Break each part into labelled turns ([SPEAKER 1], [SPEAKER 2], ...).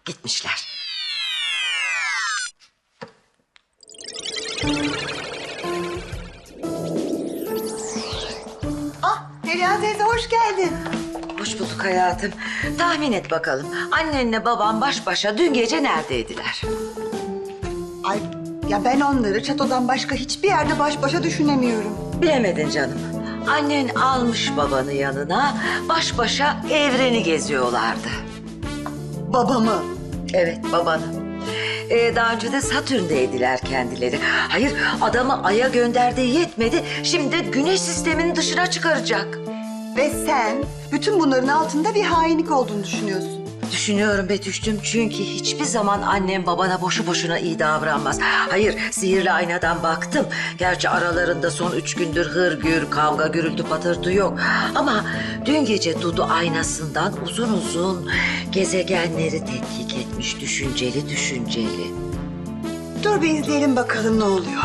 [SPEAKER 1] Gitmişler.
[SPEAKER 2] Perihan teyze hoş geldin.
[SPEAKER 1] Hoş bulduk hayatım. Tahmin et bakalım. Annenle babam baş başa dün gece neredeydiler?
[SPEAKER 2] Ay ya ben onları çatodan başka hiçbir yerde baş başa düşünemiyorum.
[SPEAKER 1] Bilemedin canım. Annen almış babanı yanına, baş başa evreni geziyorlardı.
[SPEAKER 2] Babamı.
[SPEAKER 1] Evet, babanı. Daha önce de Satürn'deydiler kendileri. Hayır, adamı Ay'a gönderdiği yetmedi. Şimdi de Güneş sisteminin dışına çıkaracak.
[SPEAKER 2] Ve sen bütün bunların altında bir hainlik olduğunu düşünüyorsun.
[SPEAKER 1] Düşünüyorum Betüş'cüm çünkü hiçbir zaman annem babana boşu boşuna iyi davranmaz. Hayır, sihirli aynadan baktım. Gerçi aralarında son 3 gündür hırgür, kavga, gürültü, patırtı yok. Ama dün gece Dudu aynasından uzun uzun gezegenleri tetkik etmiş, düşünceli düşünceli.
[SPEAKER 2] Dur bir izleyelim bakalım ne oluyor.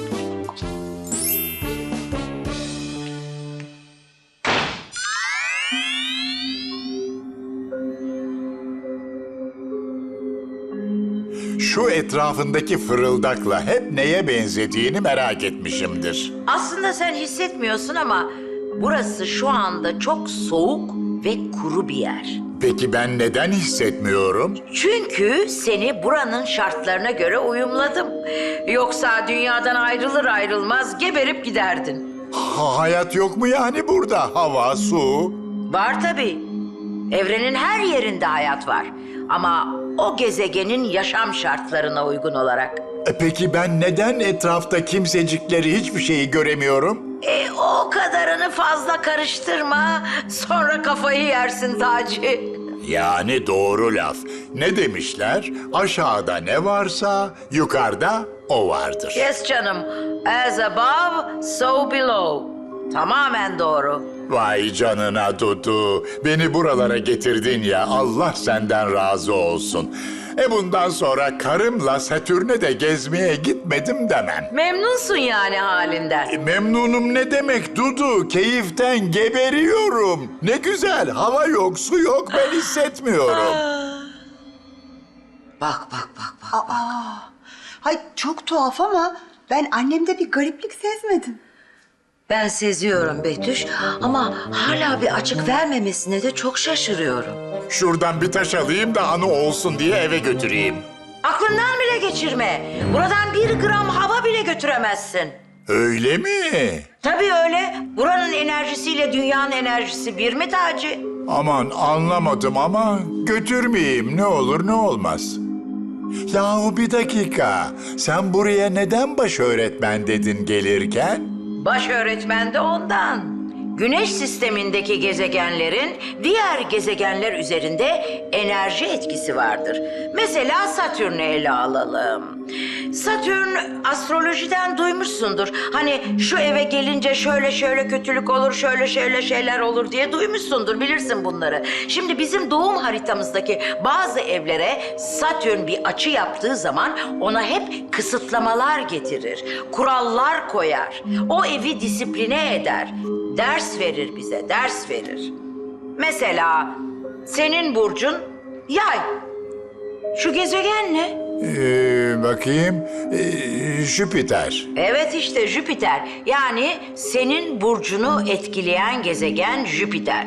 [SPEAKER 3] Şu etrafındaki fırıldakla hep neye benzediğini merak etmişimdir.
[SPEAKER 4] Aslında sen hissetmiyorsun ama burası şu anda çok soğuk ve kuru bir yer.
[SPEAKER 3] Peki ben neden hissetmiyorum?
[SPEAKER 4] Çünkü seni buranın şartlarına göre uyumladım. Yoksa dünyadan ayrılır ayrılmaz geberip giderdin.
[SPEAKER 3] Hayat yok mu yani burada? Hava, su.
[SPEAKER 4] Var tabii. Evrenin her yerinde hayat var. Ama o gezegenin yaşam şartlarına uygun olarak.
[SPEAKER 3] Peki ben neden etrafta kimsecikleri hiçbir şeyi göremiyorum?
[SPEAKER 4] O kadarını fazla karıştırma. Sonra kafayı yersin Taci.
[SPEAKER 3] Yani doğru laf. Ne demişler? Aşağıda ne varsa yukarıda o vardır.
[SPEAKER 4] Yes canım. As above, so below. Tamamen doğru.
[SPEAKER 3] Vay canına Dudu. Beni buralara getirdin ya. Allah senden razı olsun. Bundan sonra karımla Satürn'e de gezmeye gitmedim demem.
[SPEAKER 4] Memnunsun yani halinden.
[SPEAKER 3] Memnunum ne demek Dudu? Keyiften geberiyorum. Ne güzel. Hava yok, su yok. Ben hissetmiyorum.
[SPEAKER 1] Bak, bak, bak, bak.
[SPEAKER 2] Hay çok tuhaf ama ben annemde bir gariplik sezmedim.
[SPEAKER 1] Ben seziyorum Betüş ama hala bir açık vermemesine de çok şaşırıyorum.
[SPEAKER 3] Şuradan bir taş alayım da anı olsun diye eve götüreyim.
[SPEAKER 4] Aklından bile geçirme. Buradan 1 gram hava bile götüremezsin.
[SPEAKER 3] Öyle mi?
[SPEAKER 4] Tabii öyle. Buranın enerjisiyle dünyanın enerjisi bir mi Taci?
[SPEAKER 3] Aman anlamadım ama götürmeyeyim. Ne olur ne olmaz. Yahu bir dakika. Sen buraya neden baş öğretmen dedin gelirken?
[SPEAKER 4] Baş öğretmen de ondan. Güneş sistemindeki gezegenlerin diğer gezegenler üzerinde enerji etkisi vardır. Mesela Satürn'ü ele alalım. Satürn astrolojiden duymuşsundur. Hani şu eve gelince şöyle şöyle kötülük olur, şöyle şöyle şeyler olur diye duymuşsundur. Bilirsin bunları. Şimdi bizim doğum haritamızdaki bazı evlere Satürn bir açı yaptığı zaman ona hep kısıtlamalar getirir. Kurallar koyar. O evi disipline eder. Ders verir bize, ders verir. Mesela senin burcun Yay. Şu gezegen ne?
[SPEAKER 3] Bakayım. Jüpiter.
[SPEAKER 4] Evet işte Jüpiter. Yani senin burcunu etkileyen gezegen Jüpiter.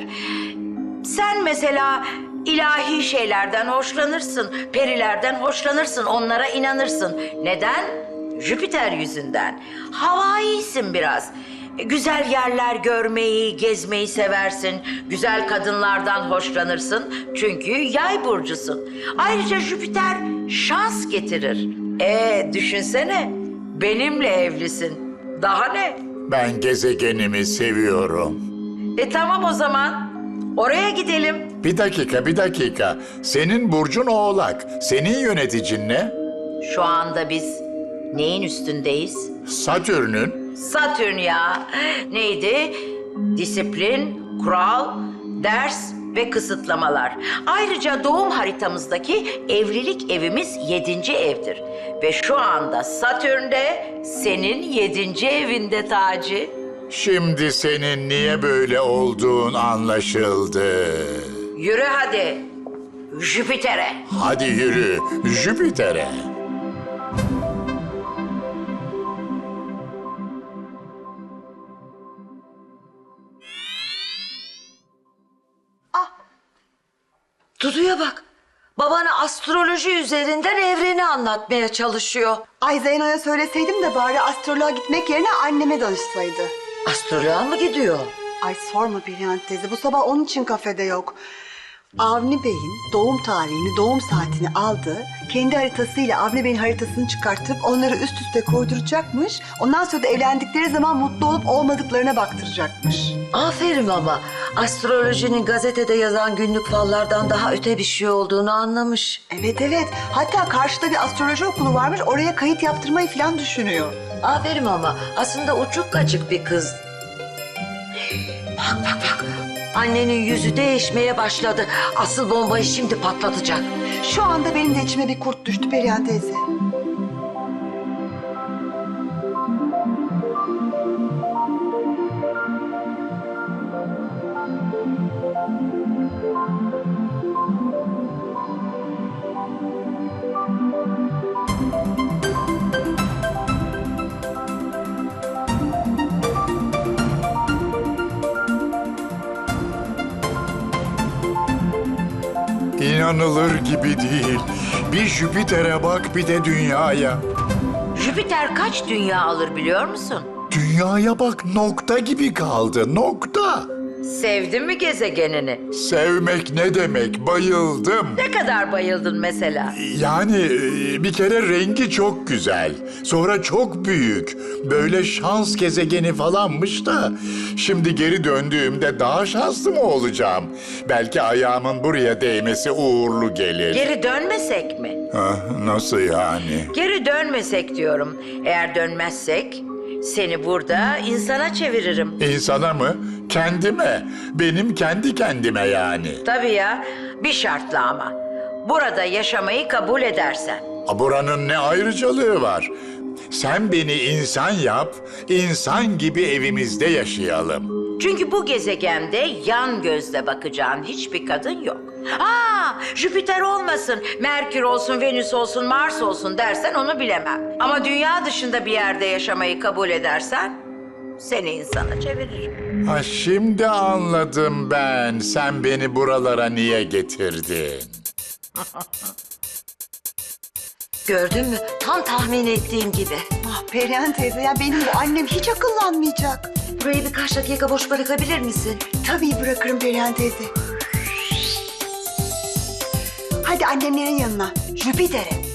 [SPEAKER 4] Sen mesela ilahi şeylerden hoşlanırsın, perilerden hoşlanırsın, onlara inanırsın. Neden? Jüpiter yüzünden. Havaisin biraz. Güzel yerler görmeyi, gezmeyi seversin. Güzel kadınlardan hoşlanırsın. Çünkü yay burcusun. Ayrıca Jüpiter şans getirir. Düşünsene. Benimle evlisin. Daha ne?
[SPEAKER 3] Ben gezegenimi seviyorum.
[SPEAKER 4] Tamam o zaman. Oraya gidelim.
[SPEAKER 3] Bir dakika. Senin burcun Oğlak. Senin yöneticin ne?
[SPEAKER 4] Şu anda biz neyin üstündeyiz?
[SPEAKER 3] Satürn'ün.
[SPEAKER 4] Satürn ya. Neydi? Disiplin, kural, ders ve kısıtlamalar. Ayrıca doğum haritamızdaki evlilik evimiz 7. evdir. Ve şu anda Satürn de senin 7. evinde Taci.
[SPEAKER 3] Şimdi senin niye böyle olduğun anlaşıldı.
[SPEAKER 4] Yürü hadi. Jüpiter'e.
[SPEAKER 3] Hadi yürü Jüpiter'e.
[SPEAKER 1] Dudu'ya bak. Babana astroloji üzerinden evreni anlatmaya çalışıyor.
[SPEAKER 2] Ay Zeyno'ya söyleseydim de bari astroloğa gitmek yerine anneme danışsaydı.
[SPEAKER 1] Astroloğa mı gidiyor?
[SPEAKER 2] Ay sorma Perihan teyze, bu sabah onun için kafede yok. Avni Bey'in doğum tarihini, doğum saatini aldı. Kendi haritasıyla Avni Bey'in haritasını çıkartıp onları üst üste koyduracakmış. Ondan sonra da evlendikleri zaman mutlu olup olmadıklarına baktıracakmış.
[SPEAKER 1] Aferin ama. Astrolojinin gazetede yazan günlük fallardan daha öte bir şey olduğunu anlamış.
[SPEAKER 2] Evet evet. Hatta karşıda bir astroloji okulu varmış. Oraya kayıt yaptırmayı falan düşünüyor.
[SPEAKER 1] Aferin ama. Aslında uçuk kaçık bir kız. Bak bak bak. Annenin yüzü değişmeye başladı. Asıl bombayı şimdi patlatacak.
[SPEAKER 2] Şu anda benim de içime bir kurt düştü Perihan teyze.
[SPEAKER 3] İnanılır gibi değil. Bir Jüpiter'e bak bir de dünyaya.
[SPEAKER 4] Jüpiter kaç dünya alır biliyor musun?
[SPEAKER 3] Dünyaya bak nokta gibi kaldı nokta.
[SPEAKER 4] Sevdin mi gezegenini?
[SPEAKER 3] Sevmek ne demek bayıldım.
[SPEAKER 4] Ne kadar bayıldın mesela?
[SPEAKER 3] Yani bir kere rengi çok güzel. Sonra çok büyük. Böyle şans gezegeni falanmış da. Şimdi geri döndüğümde daha şanslı mı olacağım? Belki ayağımın buraya değmesi uğurlu gelir.
[SPEAKER 4] Geri dönmesek mi?
[SPEAKER 3] Nasıl yani?
[SPEAKER 4] Geri dönmesek diyorum. Eğer dönmezsek seni burada insana çeviririm.
[SPEAKER 3] İnsana mı? Kendime. Benim kendi kendime yani.
[SPEAKER 4] Tabii ya, bir şartla ama. Burada yaşamayı kabul edersen.
[SPEAKER 3] Buranın ne ayrıcalığı var? Sen beni insan yap, insan gibi evimizde yaşayalım.
[SPEAKER 4] Çünkü bu gezegende yan gözle bakacağın hiçbir kadın yok. Jüpiter olmasın, Merkür olsun, Venüs olsun, Mars olsun dersen onu bilemem. Ama dünya dışında bir yerde yaşamayı kabul edersen seni insana çeviririm.
[SPEAKER 3] Ha şimdi anladım ben. Sen beni buralara niye getirdin?
[SPEAKER 1] Gördün mü? Tam tahmin ettiğim gibi.
[SPEAKER 2] Ah Perihan teyze, ya benim bu annem hiç akıllanmayacak.
[SPEAKER 1] Burayı birkaç dakika boş bırakabilir misin?
[SPEAKER 2] Tabii bırakırım Perihan teyze. Hadi annemlerin yanına, Jüpiter'e.